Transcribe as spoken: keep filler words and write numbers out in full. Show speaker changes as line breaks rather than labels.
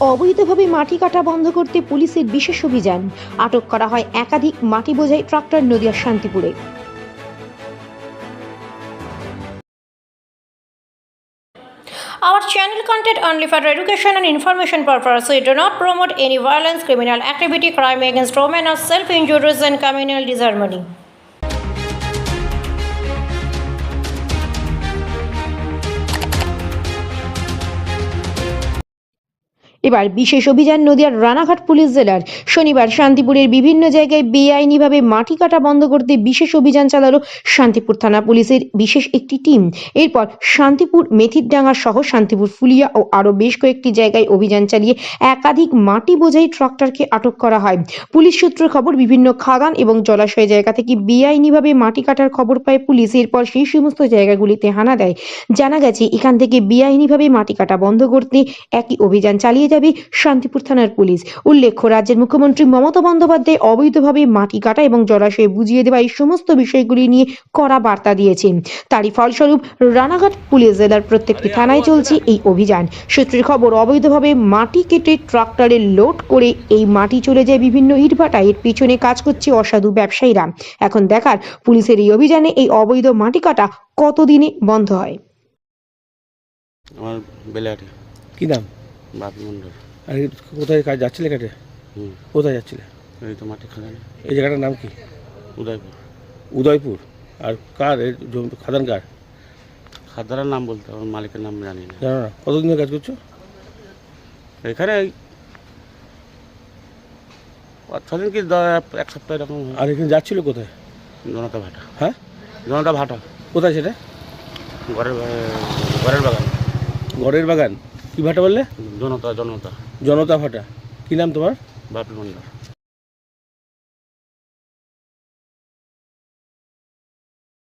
অবৈধভাবে মাটি কাটা বন্ধ করতে পুলিশের বিশেষ অভিযান। আটক করা হয় একাধিক মাটি বোঝাই ট্রাক্টর নদিয়ার শান্তিপুরে।
Our channel content only for education and information purpose. We do not promote any violence, criminal activity, crime against women, or self-injuries and communal disharmony.
এবার বিশেষ অভিযান নদিয়ার রানাঘাট পুলিশ জেলার। শনিবার শান্তিপুরের বিভিন্ন জায়গায় বেআইনিভাবে মাটি কাটা বন্ধ করতে বিশেষ অভিযান চালালো শান্তিপুর থানা পুলিশের বিশেষ একটি টিম। এরপর শান্তিপুর মেথিরডাঙ্গা সহ শান্তিপুর ফুলিয়া ও আরও বেশ কয়েকটি জায়গায় অভিযান চালিয়ে একাধিক মাটি বোঝাই ট্রাক্টরকে আটক করা হয়। পুলিশ সূত্রে খবর, বিভিন্ন খাদান এবং জলাশয় জায়গা থেকে বেআইনিভাবে মাটি কাটার খবর পায় পুলিশ। এরপর সেই সমস্ত জায়গাগুলিতে হানা দেয়। জানা গেছে এখান থেকে বেআইনিভাবে মাটি কাটা বন্ধ করতে একই অভিযান চালিয়ে যাবে শান্তিপুর থানার পুলিশ। উল্লেখ্য, রাজ্যের মুখ্যমন্ত্রী মমতা বন্দ্যোপাধ্যায় অবৈধভাবে মাটি কাটা এবং জলাশয়ে বুঝিয়ে দেওয়া এই সমস্ত বিষয়গুলি নিয়ে কড়া বার্তা দিয়েছেন। তারই ফলস্বরূপ রানাঘাট পুলিশ জেলার প্রত্যেকটি থানায় চলছে এই অভিযান। সূত্রের খবর, অবৈধভাবে মাটি কেটে ট্রাক্টরে লোড করে এই মাটি চলে যায় বিভিন্ন ইটভাটায়। এর পিছনে কাজ করছে অসাধু ব্যবসায়ীরা। এখন দেখার পুলিশের এই অভিযানে এই অবৈধ মাটি কাটা কতদিনে বন্ধ হয়।
আমার বেলাটি
কি নাম?
বাপি মন্ডল।
আর কোথায় কাজ যাচ্ছিলে কাটে?
হুম
কোথায় যাচ্ছিলে?
এই তো মাটি খাদান।
এই জায়গাটার নাম কি?
উদয়পুর।
উদয়পুর। আর কার এই জমি- খাদান কার?
খাদানের নাম বলতে আমার মালিকের নাম জানি না।
জানো না? কতদিন ধরে কাজ করছো?
এখানে এই পাঁচ ছদিন কি দ- এক সপ্তাহ এরকম হয়।
আর এখানে যাচ্ছিল কোথায়?
জনতা ভাটা।
হ্যাঁ,
জনতা ভাটা
কোথায় সেটা?
ঘরের বা- ঘরের বাগান।
ঘরের বাগান। কি ভাটা বললে?
জনতা জনতা
জনতা ভাটা। কি নাম তোমার?
বাপি মন্ডল।